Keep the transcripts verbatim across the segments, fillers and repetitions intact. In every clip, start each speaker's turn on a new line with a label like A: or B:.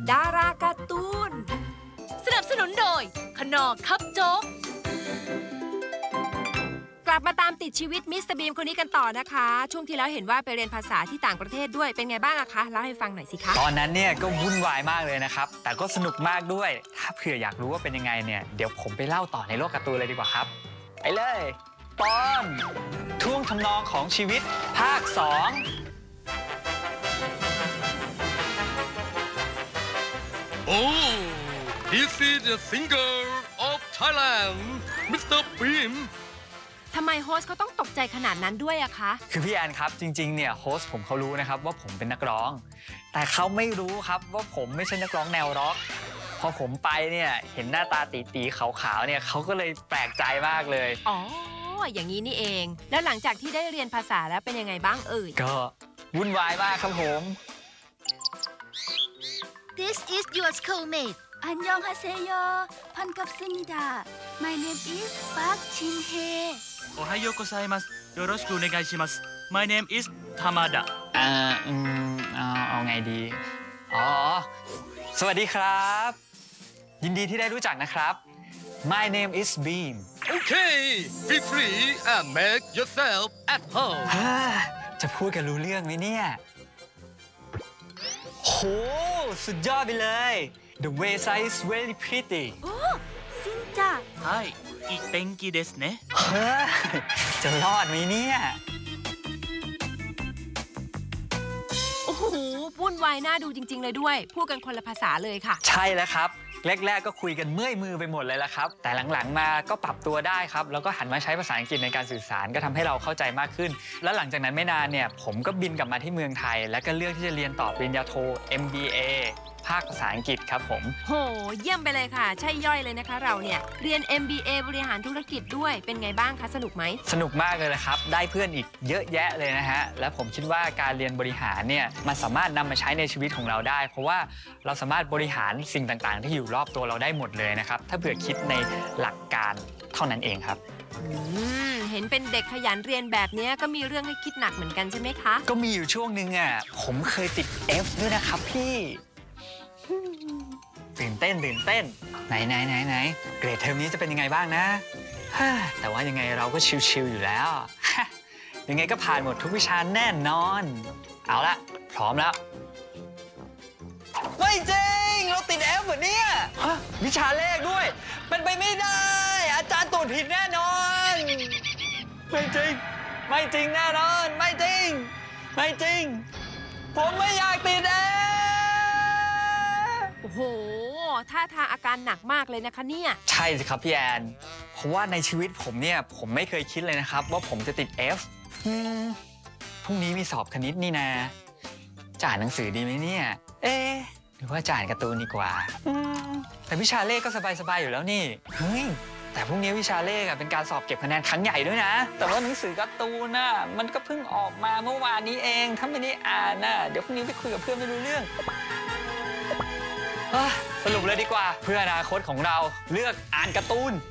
A: ดาราการ์ตูนสนับสนุนโดยขนอคับโจ๊กกลับมาตามติดชีวิตมิสเตอร์บีมคนนี้กันต่อนะคะช่วงที่แล้วเห็นว่าไปเรียนภาษาที่ต่างประเทศด้วยเป็นไงบ้างอะคะเล่าให้ฟังหน่อยสิคะ
B: ตอนนั้นเนี่ยก็วุ่นวายมากเลยนะครับแต่ก็สนุกมากด้วยถ้าเผื่ออยากรู้ว่าเป็นยังไงเนี่ยเดี๋ยวผมไปเล่าต่อในโลกการ์ตูนเลยดีกว่าครับไปเลยตอนท่วงทำนองของชีวิตภาคสอง
C: Oh, this is the singer of Thailand, มิสเตอร์ Beam
A: ทำไมโฮสต์เขาต้องตกใจขนาดนั้นด้วยอะคะ
B: คือพี่แอนครับจริงๆเนี่ยโฮสต์ผมเขารู้นะครับว่าผมเป็นนักร้องแต่เขาไม่รู้ครับว่าผมไม่ใช่นักร้องแนวร็อกพอผมไปเนี่ยเห็นหน้าตาตีๆขาวๆเนี่ยเขาก็เลยแปลกใจมากเลย
A: อ๋ออย่างนี้นี่เองแล้วหลังจากที่ได้เรียนภาษาแล้วเป็นยังไงบ้างเอ่ย
B: ก็วุ่นวายมากครับผม
D: This is your schoolmate. 안녕하세요. 반갑습니다. My name is Park Jin-hye.
E: おはようございます。よろしくお願いします。My name is Tamada.
B: อ่าอืมเอาเอาไงดีอ๋อสวัสดีครับยินดีที่ได้รู้จักนะครับ My name is Beam.
C: Okay, feel free and make yourself at home.
B: จะพูดกันรู้เรื่องไหมเนี่ยโหสุดยอดไปเลย The wayside is very pretty
D: โอ้ซินจา
E: はい、いい天気ですね
B: จะรอดไหมเนี่ย
A: โอ้โหวุ่นวายน่าดูจริงๆเลยด้วยพูดกันคนละภาษาเลยค่ะ
B: ใช่แล้วครับแรกๆก็คุยกันเมื่อยมือไปหมดเลยละครับแต่หลังๆมาก็ปรับตัวได้ครับแล้วก็หันมาใช้ภาษาอังกฤษในการสื่อสารก็ทำให้เราเข้าใจมากขึ้นแล้วหลังจากนั้นไม่นานเนี่ยผมก็บินกลับมาที่เมืองไทยแล้วก็เลือกที่จะเรียนต่อปริญญาโท เอ็ม บี เอ ภาคภาษาอังกฤษครับผม
A: โหเยี่ยมไปเลยค่ะใช่ย่อยเลยนะคะเราเนี่ยเรียน เอ็ม บี เอ บริหารธุรกิจด้วยเป็นไงบ้างคะสนุกไหม
B: สนุกมากเลยนะครับได้เพื่อนอีกเยอะแยะเลยนะฮะและผมคิดว่าการเรียนบริหารเนี่ยมันสามารถนำมาใช้ในชีวิตของเราได้เพราะว่าเราสามารถบริหารสิ่งต่างๆที่อยู่รอบตัวเราได้หมดเลยนะครับถ้าเผื่อคิดในหลักการเท่านั้นเองครับ
A: เห็นเป็นเด็กขยันเรียนแบบนี้ก็มีเรื่องให้คิดหนักเหมือนกันใช่ไหมคะ
B: ก็มีอยู่ช่วงนึงอ่ะผมเคยติด F ด้วยนะครับพี่ตื่นเต้นตื่นเต้นไหนไหนไหนไหนเกรดเทอมนี้จะเป็นยังไงบ้างนะแต่ว่ายังไงเราก็ชิลๆอยู่แล้วยังไงก็ผ่านหมดทุกวิชาแน่นอนเอาละพร้อมแล้วไม่จริงเราติด F เหมือนเนี่ยวิชาเลขด้วยเป็นไปไม่ได้อาจารย์ตรวจผิดแน่นอนไม่จริงไม่จริงแน่นอนไม่จริงไม่จริงผมไม่อยากติด F
A: โอ้โหท่าทางอาการหนักมากเลยนะคะเนี่ย
B: ใช่สิครับพี่แอนเพราะว่าในชีวิตผมเนี่ยผมไม่เคยคิดเลยนะครับว่าผมจะติด F พรุ่งนี้มีสอบคณิตนี่นะจะอ่านหนังสือดีไหมเนี่ยเอ๊ะหรือว่าจะอ่านการ์ตูนดีกว่าแต่วิชาเลขก็สบายๆอยู่แล้วนี่เฮ้ยแต่พรุ่งนี้วิชาเลขเป็นการสอบเก็บคะแนนครั้งใหญ่ด้วยนะแต่ว่าหนังสือการ์ตูนน่ะมันก็เพิ่งออกมาเมื่อวานนี้เองถ้าไม่ได้อ่านน่ะเดี๋ยวพรุ่งนี้ไปคุยกับเพื่อนไม่รู้เรื่องสรุปเลยดีกว่าเพื่ออนาคตของเราเลือกอ่านการ์ตูน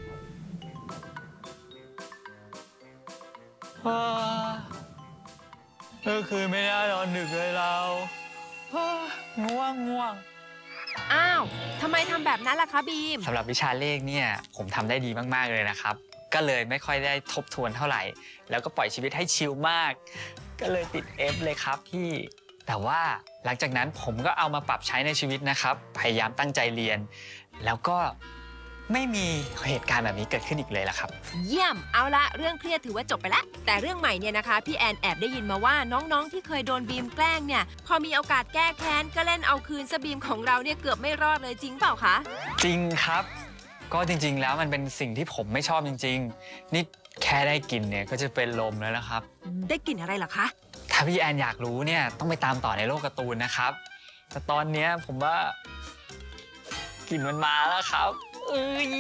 B: เมื่อคืนไม่ได้นอนดึกเลยเราง่วงง่วง
A: อ้าวทำไมทำแบบนั้นล่ะคะบีม
B: สำหรับวิชาเลขเนี่ยผมทำได้ดีมากๆเลยนะครับก็เลยไม่ค่อยได้ทบทวนเท่าไหร่แล้วก็ปล่อยชีวิตให้ชิลมากก็เลยติด F เลยครับพี่แต่ว่าหลังจากนั้นผมก็เอามาปรับใช้ในชีวิตนะครับพยายามตั้งใจเรียนแล้วก็ไม่มีเหตุการณ์แบบนี้เกิดขึ้นอีกเลยล่ะครับ
A: เยี่ยมเอาละเรื่องเครียดถือว่าจบไปแล้วแต่เรื่องใหม่เนี่ยนะคะพี่แอนแอบได้ยินมาว่าน้องๆที่เคยโดนบีมแกล้งเนี่ยพอมีโอกาสแก้แค้นก็เล่นเอาคืนซะบีมของเราเนี่ยเกือบไม่รอดเลยจริงเปล่าคะ
B: จริงครับก็จริงๆแล้วมันเป็นสิ่งที่ผมไม่ชอบจริงๆนี่แค่ได้กลิ่นเนี่ยก็จะเป็นลมแล้วนะครับ
A: ได้กลิ่นอะไรเหรอคะ
B: ถ้าพี่แอนอยากรู้เนี่ยต้องไปตามต่อในโลกการ์ตูนนะครับแต่ตอนนี้ผมว่ากลิ่นมันมาแล้วครับเอ้ย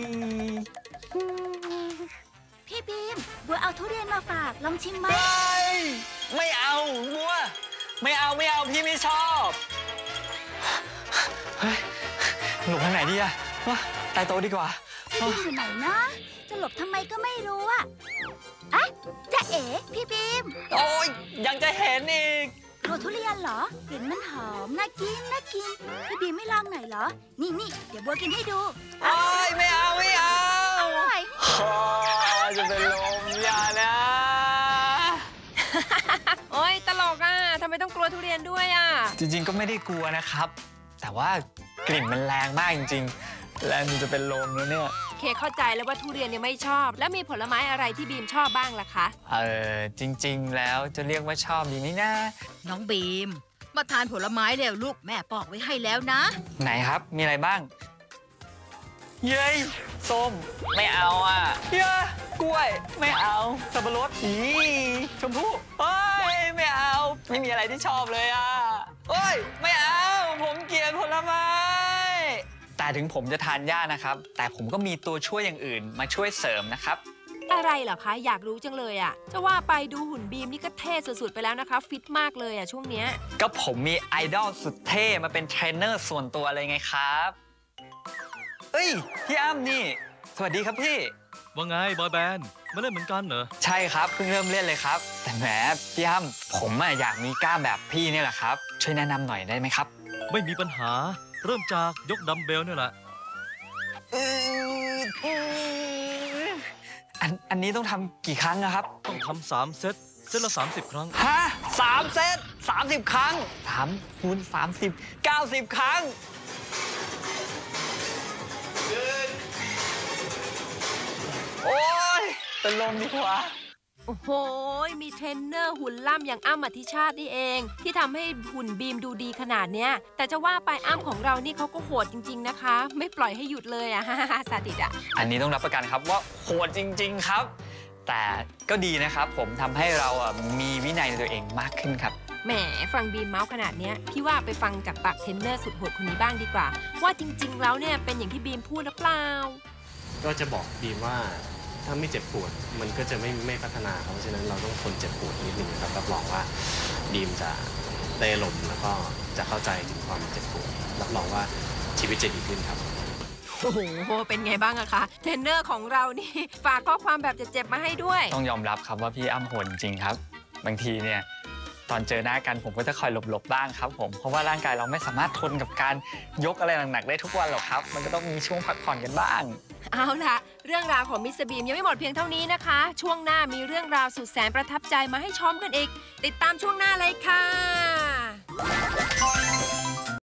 D: พี่บีมบัวเอาทุเรียนมาฝากลองชิมไหม
B: ไม่ไม่เอาบัวไม่เอาไม่เอาพี่ไม่ชอบเฮ้ยหลบทางไหนดีอะใต้โต๊ะดีกว่า
D: พี่บีมอยู่ไหนนะจะหลบทำไมก็ไม่รู้อะอะจะเอ๋พี่บีม
B: โอ้ยยังจะเห็นอีก
D: ลัวทุเรียนเหรอกลิ่นมันหอมน่ากินน่ากินพี่บีไม่ลองหน่อยเหรอนี่นี่เดี๋ยวบัวกินให้ดู
B: โอ้ยไม่เอาไม่เอา
D: อร่อย
B: โอ้ยจะเป็นลมอย่านะ
A: โอ๊ยตลกอ่ะทำไมต้องกลัวทุเรียนด้วยอ่ะ
B: จริงๆก็ไม่ได้กลัวนะครับ แต่ว่ากลิ่นมันแรงมากจริงๆแรงจนจะเป็นลมแล้วเนี่ย
A: เคเข้าใจแล้วว่าทุเรียนเนี่ยไม่ชอบ แล้วมีผลไม้อะไรที่บีมชอบบ้างล่ะคะ
B: เออจริงๆแล้วจะเรียกว่าชอบดีไหมนะ
F: น้องบีม มาทานผลไม้เร็วลูกแม่ปอกไว้ให้แล้วนะ
B: ไหนครับมีอะไรบ้างเย้ยส้มไม่เอาอ่ะเย้ยกล้วยไม่เอาสับปะรดอีชมพู่เฮ้ยไม่เอาไม่มีอะไรที่ชอบเลยอ่ะเฮ้ยไม่เอาผมเกลียดผลไม้แต่ถึงผมจะทานยากนะครับแต่ผมก็มีตัวช่วยอย่างอื่นมาช่วยเสริมนะครับ
A: อะไรเหรอคะอยากรู้จังเลยอ่ะจะว่าไปดูหุ่นบีมนี่ก็เท่สุดๆไปแล้วนะคะฟิตมากเลยอ่ะช่วงเนี้ย
B: ก็ผมมีไอดอลสุดเท่มาเป็นเทรนเนอร์ส่วนตัวเลยไงครับเอ้ยพี่อ้ำนี่สวัสดีครับพี่
E: ว่าไงบอยแบนด์มาเล่นเหมือนกันเหรอ
B: ใช่ครับเพิ่งเริ่มเล่นเลยครับแต่แหมพี่อ้ำผมอะอยากมีกล้ามแบบพี่นี่แหละครับช่วยแนะนำหน่อยได้ไหมครับ
E: ไม่มีปัญหา เริ่มจากยกดัมเบลนี่แหละ
B: อันอันนี้ต้องทำกี่ครั้งนะครับ
E: ต้องทำสามเซต เซตละสามสิบครั้ง
B: ฮะสามเซตสามสิบครั้งสามคูณสามสิบเก้าสิบครั้งโอ๊ยเป็นลมดีกว่า
A: โอ้โหมีเทรนเนอร์หุ่นล่ำอย่างอ้ำอธิชาตินี่เอง ที่ทำให้หุ่นบีมดูดีขนาดเนี้ยแต่จะว่าไปอ้ำของเรานี่เขาก็โหดจริงๆนะคะ ไม่ปล่อยให้หยุดเลยอะ สาดิตอะ
B: อันนี้ต้องรับประกันครับว่าโหดจริงๆครับ แต่ก็ดีนะครับผมทำให้เราอ่ะมีวินัยในตัวเองมากขึ้นครับ
A: แหมฟังบีมเมาส์ขนาดเนี้ยพี่ว่าไปฟังจากปากเทรนเนอร์สุดโหดคนนี้บ้างดีกว่า ว่าจริงๆแล้วเนี่ยเป็นอย่างที่บีมพูดหรือเปล่า
G: ก็จะบอกบีมว่าถ้าไม่เจ็บปวดมันก็จะไม่ไม่พัฒนาครับเพราะฉะนั้นเราต้องทนเจ็บปวดนิดนึงครับรับรองว่าบีมจะได้อารมณ์แล้วก็จะเข้าใจถึงความเจ็บปวดรับรองว่าชีวิตจะดีขึ้นครับ
A: โอ้โหเป็นไงบ้างอะคะเทรนเนอร์ของเรานี่ฝากข้อความแบบเจ็บๆมาให้ด้วย
B: ต้องยอมรับครับว่าพี่อ้ำโหดจริงครับ บางทีเนี่ยตอนเจอหน้ากันผมก็จะคอยหลบๆบ้างครับผมเพราะว่าร่างกายเราไม่สามารถทนกับการยกอะไรหนักๆได้ทุกวันหรอกครับ มันก็ต้องมีช่วงพักผ่อนกันบ้าง
A: เอาล่ะเรื่องราวของมิสเตอร์บีมยังไม่หมดเพียงเท่านี้นะคะ ช่วงหน้ามีเรื่องราวสุดแสนประทับใจมาให้ชมกันอีก ติดตามช่วงหน้าเลยค่ะ